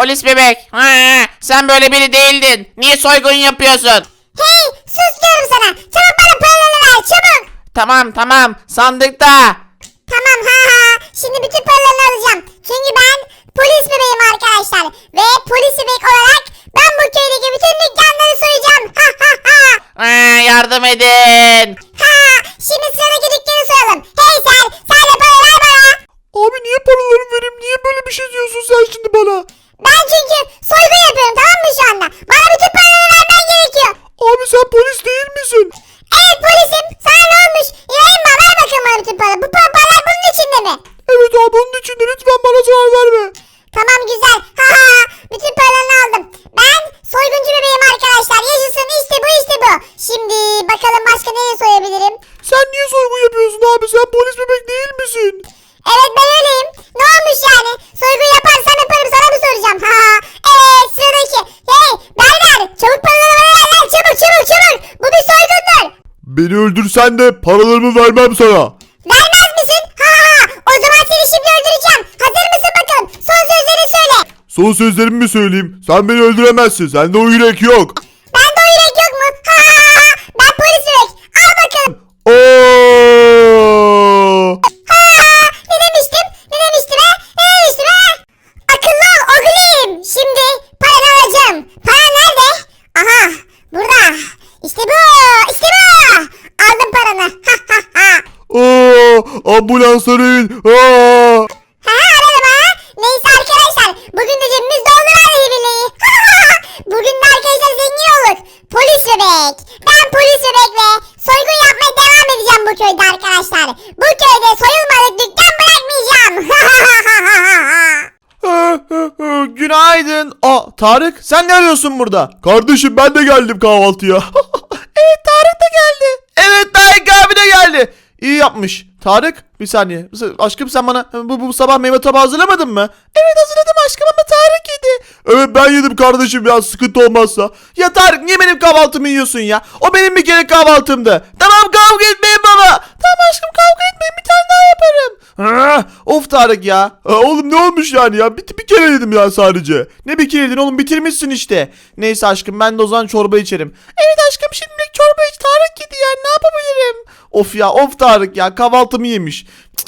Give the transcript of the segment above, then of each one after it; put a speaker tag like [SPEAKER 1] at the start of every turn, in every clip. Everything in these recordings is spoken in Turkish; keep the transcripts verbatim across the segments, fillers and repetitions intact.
[SPEAKER 1] polis bebek. Ha, sen böyle biri değildin. Niye soygun yapıyorsun?
[SPEAKER 2] Hey sus diyorum sana. Çabuk bana paralarını ver çabuk.
[SPEAKER 1] Tamam tamam sandıkta.
[SPEAKER 2] Tamam ha ha. Şimdi bütün paralarını alacağım. Çünkü ben polis bebeğim arkadaşlar. Ve polis bebek olarak ben bu köydeki bütün dükkanları soyacağım. Ha ha ha.
[SPEAKER 1] Ha, yardım edin.
[SPEAKER 2] Ha. Şimdi sıradaki dükkanı soyalım. Hey sen. Sen de para ver bana.
[SPEAKER 3] Abi niye paralarımı vereyim? Niye böyle bir şey diyorsun sen şimdi bana?
[SPEAKER 2] Ben çünkü soygun yapıyorum tamam mı şu anda? Bana bütün paraları vermen gerekiyor.
[SPEAKER 3] Abi sen polis değil misin?
[SPEAKER 2] Evet polisim. Sana ne olmuş? İbrahim bana ver bakalım bana bütün paraları. Bu pa- paralar bunun içinde mi?
[SPEAKER 3] Evet abi onun için de lütfen bana zarar verme.
[SPEAKER 2] Tamam güzel. Ha ha ha. Bütün paralarını aldım. Ben soyguncu bebeğim arkadaşlar. Yaşasın işte bu işte bu. Şimdi bakalım başka neyi soyabilirim?
[SPEAKER 3] Sen niye soygun yapıyorsun abi? Sen polis bebek değil misin?
[SPEAKER 2] Evet ben öyleyim. Ne olmuş yani? Soygun yaparsam yaparım sana mı soracağım? Ha ha. Evet sıradaki. Hey berber çabuk paraları bana ver lan. Çabuk çabuk çabuk. Bu bir soygundur.
[SPEAKER 3] Beni öldürsen de paralarımı vermem sana.
[SPEAKER 2] Vermez misin? Ha ha ha. O zaman seni şimdi öldüreceğim. Hazır mısın bakalım? Son sözlerini söyle.
[SPEAKER 3] Son sözlerimi mi söyleyeyim? Sen beni öldüremezsin. Sende o yürek yok.
[SPEAKER 2] Bende o yürek yok mu? Ha ha ha ha. Ben polis bebek. Al bakalım.
[SPEAKER 3] Oo!
[SPEAKER 2] Ha ne demiştim? Ne demiştim he? Ne demiştim he? Akıllı ol oğlum. Şimdi paranı alacağım. Para nerede? Aha burada. İşte bu. İşte bu. Aldım paranı. Ha ha ha.
[SPEAKER 3] Aa! Ambulans arayın. Aa!
[SPEAKER 2] Ha aradım ha. Neyse arkadaşlar. Bugün de cebimiz doldu vallahi billahi. Bugün de arkadaşlar zengin olduk. Polis bebek. Ben polis bebekle soygun yapmaya devam edeceğim bu köyde arkadaşlar. Bu köyde soyulmadık dükkan bırakmayacağım.
[SPEAKER 3] Günaydın. Aa Tarık sen ne arıyorsun burada? Kardeşim ben de geldim kahvaltıya. Evet Tarık da geldi. Evet Tarık abi de geldi. İyi yapmış. Tarık bir saniye. Aşkım sen bana bu, bu sabah meyve tabağı hazırlamadın mı? Evet hazırladım aşkım ama Tarık yedi. Evet ben yedim kardeşim ya sıkıntı olmazsa. Ya Tarık niye benim kahvaltımı yiyorsun ya? O benim bir kere kahvaltımdı. Tamam kavga etmeyin baba. Tamam aşkım kavga etmeyin bir tane daha yaparım. Ha, of Tarık ya. Ha, oğlum ne olmuş yani ya? Bir, bir kere yedim ya sadece. Ne bir kere yedin oğlum bitirmişsin işte. Neyse aşkım ben de o zaman çorba içerim. Evet aşkım şimdilik çorba iç Tarık yedi yani ne yapabilirim? Of ya of Tarık ya kahvaltımı yemiş.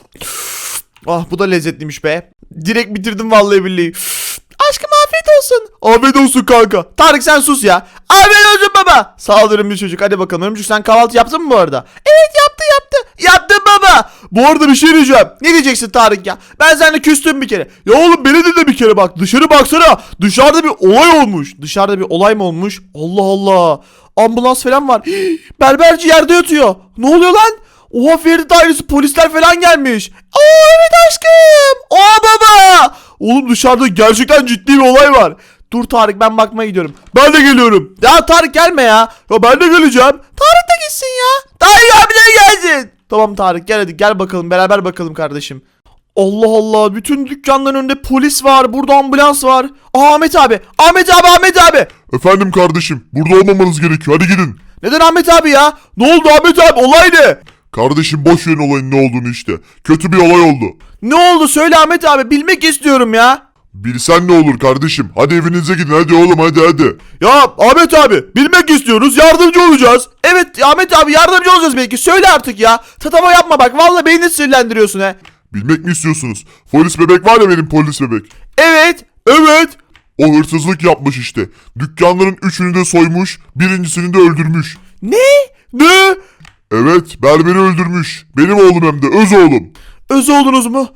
[SPEAKER 3] Ah bu da lezzetliymiş be. Direkt bitirdim vallahi billahi. Aşkım afiyet olsun. Afiyet olsun kanka. Tarık sen sus ya. Afiyet olsun baba. Sağ ol Örümcük çocuk. Hadi bakalım Örümcük sen kahvaltı yaptın mı bu arada? Evet yaptı yaptı. Yaptım baba. Bu arada bir şey diyeceğim. Ne diyeceksin Tarık ya? Ben seninle küstüm bir kere. Ya oğlum beni de de bir kere bak. Dışarı baksana. Dışarıda bir olay olmuş. Dışarıda bir olay mı olmuş? Allah Allah. Ambulans falan var. Hii, berberci yerde yatıyor. Ne oluyor lan? Oha Ferit ailesi polisler falan gelmiş. Aa evet aşkım. Aa baba. Oğlum dışarıda gerçekten ciddi bir olay var. Dur Tarık ben bakmaya gidiyorum. Ben de geliyorum. Ya Tarık gelme ya. Ya ben de geleceğim. Tarık da gitsin ya. Tarık abi de gelsin. Tamam Tarık gel hadi gel bakalım beraber bakalım kardeşim. Allah Allah bütün dükkanların önünde polis var. Burada ambulans var. Aa Ahmet abi. Ahmet abi Ahmet abi.
[SPEAKER 4] Efendim kardeşim burada olmamanız gerekiyor hadi gidin.
[SPEAKER 3] Neden Ahmet abi ya? Ne oldu Ahmet abi olay ne?
[SPEAKER 4] Kardeşim boş verin olayın ne olduğunu işte. Kötü bir olay oldu.
[SPEAKER 3] Ne oldu söyle Ahmet abi bilmek istiyorum ya.
[SPEAKER 4] Bilsen ne olur kardeşim. Hadi evinize gidin hadi oğlum hadi hadi.
[SPEAKER 3] Ya Ahmet abi bilmek istiyoruz yardımcı olacağız. Evet Ahmet abi yardımcı olacağız belki söyle artık ya. Tatava yapma bak vallahi beni sinirlendiriyorsun he.
[SPEAKER 4] Bilmek mi istiyorsunuz? Polis bebek var ya benim polis bebek.
[SPEAKER 3] Evet evet.
[SPEAKER 4] O hırsızlık yapmış işte. Dükkanların üçünü de soymuş. Birincisini de öldürmüş.
[SPEAKER 3] Ne? Ne?
[SPEAKER 4] Evet berberi öldürmüş. Benim oğlum hem de öz oğlum.
[SPEAKER 3] Öz oldunuz mu?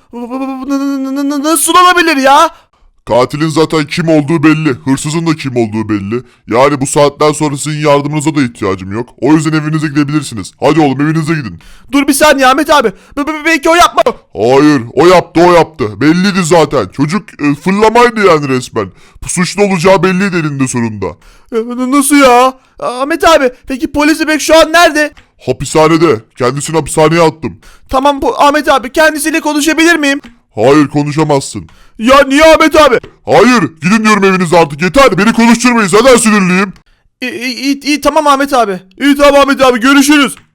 [SPEAKER 3] Nasıl olabilir ya?
[SPEAKER 4] Katilin zaten kim olduğu belli. Hırsızın da kim olduğu belli. Yani bu saatten sonra sizin yardımınıza da ihtiyacım yok. O yüzden evinize gidebilirsiniz. Hadi oğlum evinize gidin.
[SPEAKER 3] Dur bir saniye Ahmet abi. B- b- belki o yapma.
[SPEAKER 4] Hayır o yaptı o yaptı. Belliydi zaten. Çocuk e, fırlamaydı yani resmen. Suçlu olacağı belliydi elinde sonunda.
[SPEAKER 3] E, Nasıl ya? Ahmet abi peki polis bebek şu an nerede?
[SPEAKER 4] Hapishanede. Kendisini hapishaneye attım.
[SPEAKER 3] Tamam bu Ahmet abi kendisiyle konuşabilir miyim?
[SPEAKER 4] Hayır konuşamazsın.
[SPEAKER 3] Ya niye Ahmet abi?
[SPEAKER 4] Hayır gidin diyorum evinize artık yeter. Beni konuşturmayın zaten sinirliyim.
[SPEAKER 3] İyi, iyi, iyi tamam Ahmet abi. İyi tamam Ahmet abi görüşürüz.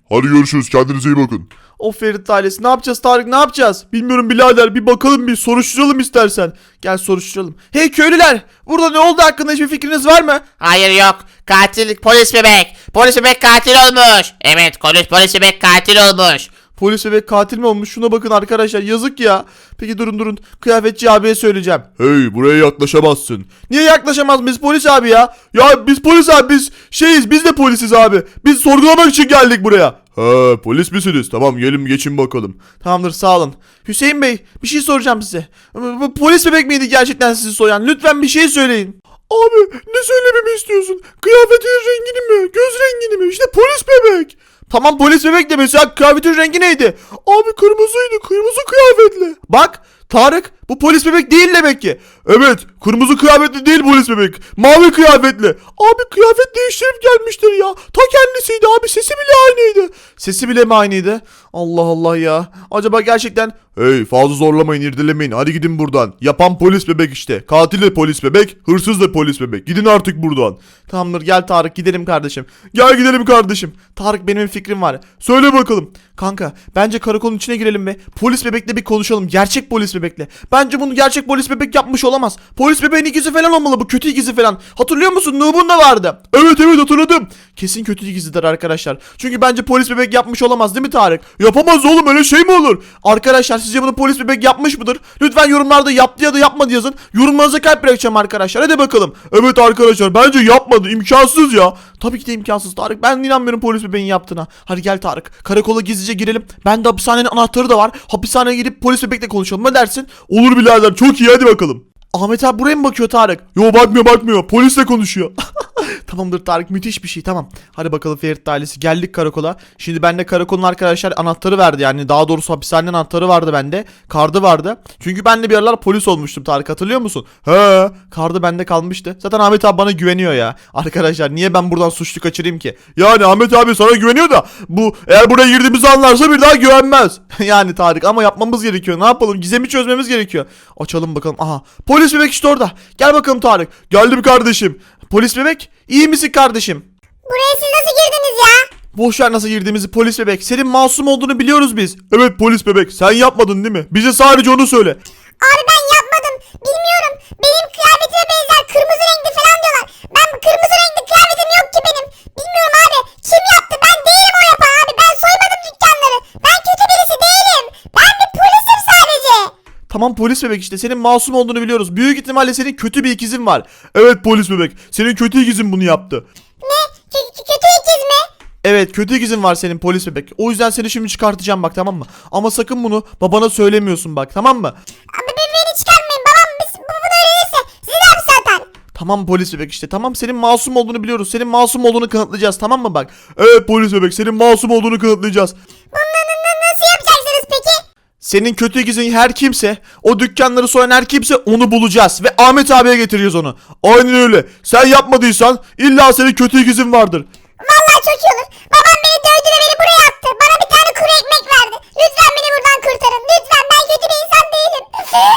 [SPEAKER 4] Hadi görüşürüz. Kendinize iyi bakın.
[SPEAKER 3] O Ferit ailesi ne yapacağız Tarık ne yapacağız? Bilmiyorum birader bir bakalım bir soruşturalım istersen. Gel soruşturalım. Hey köylüler burada ne oldu hakkında hiçbir fikriniz var mı?
[SPEAKER 1] Hayır yok. Katil polis bebek. Polis bebek katil olmuş. Evet polis polis bebek katil olmuş.
[SPEAKER 3] Polis bebek katil mi olmuş? Şuna bakın arkadaşlar yazık ya. Peki durun durun kıyafetçi abiye söyleyeceğim. Hey buraya yaklaşamazsın. Niye yaklaşamaz biz polis abi ya? Ya biz polis abi biz şeyiz biz de polisiz abi. Biz sorgulamak için geldik buraya. He polis misiniz? Tamam gelin geçin bakalım. Tamamdır sağ olun. Hüseyin Bey bir şey soracağım size. Bu- bu Polis bebek miydi gerçekten sizi soyan? Lütfen bir şey söyleyin. Abi ne söylememi istiyorsun? Kıyafetin rengini mi? Göz rengini mi? İşte polis bebek. Tamam polis bebek de mesela kıyafetin rengi neydi? Abi kırmızıydı kırmızı kıyafetli. Bak Tarık bu polis bebek değil demek ki. Evet kırmızı kıyafetli değil polis bebek. Mavi kıyafetli. Abi kıyafet değiştirip gelmiştir ya. Ta kendisiydi abi sesi bile aynıydı. Sesi bile mi aynıydı? Allah Allah ya. Acaba gerçekten... Hey fazla zorlamayın irdelemeyin hadi gidin buradan. Yapan polis bebek işte. Katil de polis bebek. Hırsız da polis bebek. Gidin artık buradan. Tamamdır gel Tarık gidelim kardeşim. Gel gidelim kardeşim. Tarık benim bir fikrim var. Söyle bakalım. Kanka bence karakolun içine girelim ve polis bebekle bir konuşalım. Gerçek polis bebekle. Bence bunu gerçek polis bebek yapmış olamaz. Polis bebeğin ikizi falan olmalı bu kötü ikizi falan. Hatırlıyor musun? Nuh'un da vardı. Evet evet hatırladım. Kesin kötü ikizidir arkadaşlar. Çünkü bence polis bebek yapmış olamaz değil mi Tarık? Yapamaz oğlum öyle şey mi olur? Arkadaşlar sizce bunu polis bebek yapmış mıdır? Lütfen yorumlarda yaptı ya da yapmadı yazın. Yorumlarınıza kalp bırakacağım arkadaşlar. Hadi bakalım. Evet arkadaşlar bence yapmadı. İmkansız ya. Tabii ki de imkansız Tarık. Ben inanmıyorum polis bebeğin yaptığına. Hadi gel Tarık. Karakola gizlice girelim. Ben de hapishanenin anahtarı da var. Hapishaneye gidip polis bebekle konuşalım. Ne dersin? Olur birader çok iyi hadi bakalım. Ahmet abi buraya mı bakıyor Tarık? Yo bakmıyor bakmıyor. Polisle konuşuyor. Tamamdır Tarık müthiş bir şey tamam. Hadi bakalım Ferit ailesi geldik karakola. Şimdi bende karakolun arkadaşlar anahtarı verdi yani daha doğrusu hapishanenin anahtarı vardı bende. Kardı vardı. Çünkü ben de bir aralar polis olmuştum Tarık hatırlıyor musun? He kardı bende kalmıştı. Zaten Ahmet abi bana güveniyor ya. Arkadaşlar niye ben buradan suçlu kaçırayım ki? Yani Ahmet abi sana güveniyor da bu eğer buraya girdiğimizi anlarsa bir daha güvenmez. Yani Tarık ama yapmamız gerekiyor. Ne yapalım? Gizemi çözmemiz gerekiyor. Açalım bakalım. Aha polis bebek işte orada. Gel bakalım Tarık. Geldim kardeşim. Polis bebek iyi misin kardeşim?
[SPEAKER 2] Buraya siz nasıl girdiniz ya?
[SPEAKER 3] Boşver nasıl girdiğimizi polis bebek. Senin masum olduğunu biliyoruz biz. Evet polis bebek sen yapmadın değil mi? Bize sadece onu söyle.
[SPEAKER 2] Abi ben yapmadım. Bilmiyorum. Benim kıyafetime benzer kırmızı renkli falan diyorlar. Ben kırmızı renkli kıyafetim yok ki benim. Bilmiyorum abi. Kim yaptı? Ben değilim o yapan abi. Ben soymadım dükkanları. Ben kötü birisi değilim. Ben bir polisim sadece.
[SPEAKER 3] Tamam polis bebek işte senin masum olduğunu biliyoruz. Büyük ihtimalle senin kötü bir ikizin var. Evet polis bebek. Senin kötü ikizin bunu yaptı.
[SPEAKER 2] Ne? Kö- kö- kötü ikiz mi?
[SPEAKER 3] Evet kötü ikizin var senin polis bebek. O yüzden seni şimdi çıkartacağım bak tamam mı? Ama sakın bunu babana söylemiyorsun bak tamam mı?
[SPEAKER 2] Abi ben beni çıkarmayın. Babam biz, bu bunu öğrenirse sizi de hapse atar.
[SPEAKER 3] Tamam polis bebek işte tamam senin masum olduğunu biliyoruz. Senin masum olduğunu kanıtlayacağız tamam mı bak? Evet polis bebek senin masum olduğunu kanıtlayacağız.
[SPEAKER 2] Bunu na- na- nasıl yapacaksınız peki?
[SPEAKER 3] Senin kötü ikizin her kimse, o dükkanları soyan her kimse onu bulacağız ve Ahmet abiye getireceğiz onu. Aynen öyle. Sen yapmadıysan illa senin kötü ikizin vardır.
[SPEAKER 2] Vallahi çok iyi olur. Babam beni dövdü ve beni buraya attı. Bana bir tane kuru ekmek verdi. Lütfen beni buradan kurtarın. Lütfen ben kötü bir insan değilim.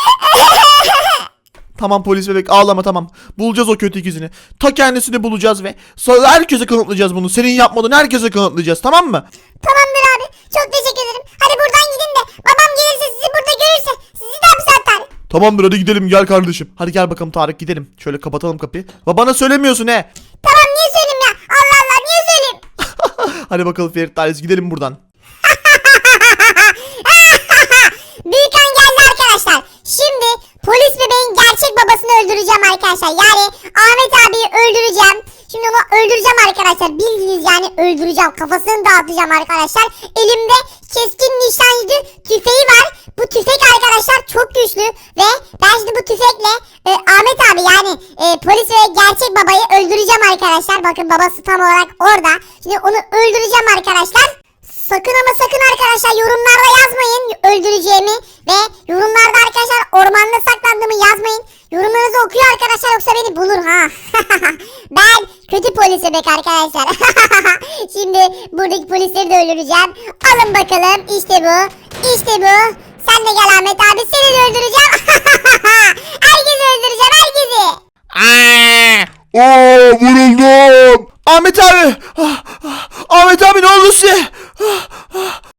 [SPEAKER 3] Tamam polis bebek ağlama tamam. Bulacağız o kötü ikizini. Ta kendisini bulacağız ve sonra herkese kanıtlayacağız bunu. Senin yapmadığını herkese kanıtlayacağız tamam mı?
[SPEAKER 2] Tamamdır abi. Çok teşekkür ederim. Hadi buradan gidin de babam gelirse sizi burada görürse sizi de hapse atar.
[SPEAKER 3] Tamamdır hadi gidelim gel kardeşim. Hadi gel bakalım Tarık gidelim. Şöyle kapatalım kapıyı. Babana söylemiyorsun he.
[SPEAKER 2] Tamam niye söyleyeyim ya? Allah Allah niye söyleyeyim?
[SPEAKER 3] Hadi bakalım Ferit ailesi gidelim buradan.
[SPEAKER 2] Büyük an geldi arkadaşlar. Şimdi polis bebeğin gerçek babasını öldüreceğim arkadaşlar. Yani Ahmet abiyi öldüreceğim. Şimdi onu öldüreceğim arkadaşlar. Bildiğiniz yani öldüreceğim. Kafasını dağıtacağım arkadaşlar. Elimde keskin nişancı tüfeği var. Bu tüfek arkadaşlar çok güçlü. Ve ben şimdi bu tüfekle e, Ahmet abi yani e, polis ve gerçek babayı öldüreceğim arkadaşlar. Bakın babası tam olarak orada. Şimdi onu öldüreceğim arkadaşlar. Sakın ama sakın arkadaşlar yorumlarda yazmayın öldüreceğimi ve yorumlarda arkadaşlar ormanda saklandığımı yazmayın. Yorumlarınızı okuyor arkadaşlar yoksa beni bulur ha. Ben kötü polis bebek arkadaşlar. Şimdi buradaki polisleri de öldüreceğim. Alın bakalım işte bu. İşte bu. Sen de gel Ahmet abi seni de öldüreceğim. Herkesi öldüreceğim herkesi.
[SPEAKER 1] Aa!
[SPEAKER 4] Aa vuruldum.
[SPEAKER 3] Ahmet abi. Ah, ah, Ahmet abi ne oldu size? Ah, ah.